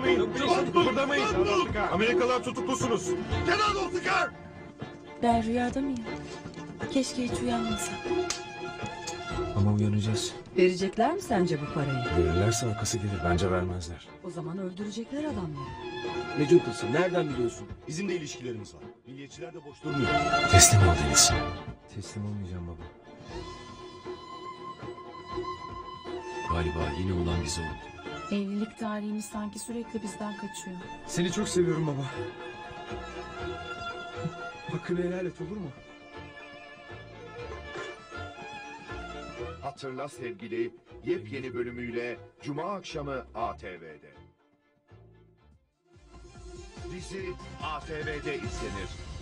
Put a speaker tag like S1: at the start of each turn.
S1: Kıpırdamayın. Kıpırdamayın. Amerikalılar tutuklusunuz.
S2: Kenan Ulfikar!
S3: Ben rüyada mıyım? Keşke hiç uyanmasam.
S4: Ama uyanacağız.
S5: Verecekler mi sence bu parayı?
S4: Verirlerse arkası gelir. Bence vermezler.
S5: O zaman öldürecekler adamları.
S2: Ne cuntası? Nereden biliyorsun? Bizim de ilişkilerimiz var. Milliyetçiler de boş durmuyor.
S4: Teslim ol Deniz. Teslim olmayacağım baba.
S6: Galiba yine olan bize oldu.
S3: Evlilik tarihimiz sanki sürekli bizden kaçıyor.
S4: Seni çok seviyorum baba. Hakkını helal et, olur mu?
S7: Hatırla Sevgili yepyeni bölümüyle Cuma akşamı ATV'de. Dizi ATV'de izlenir.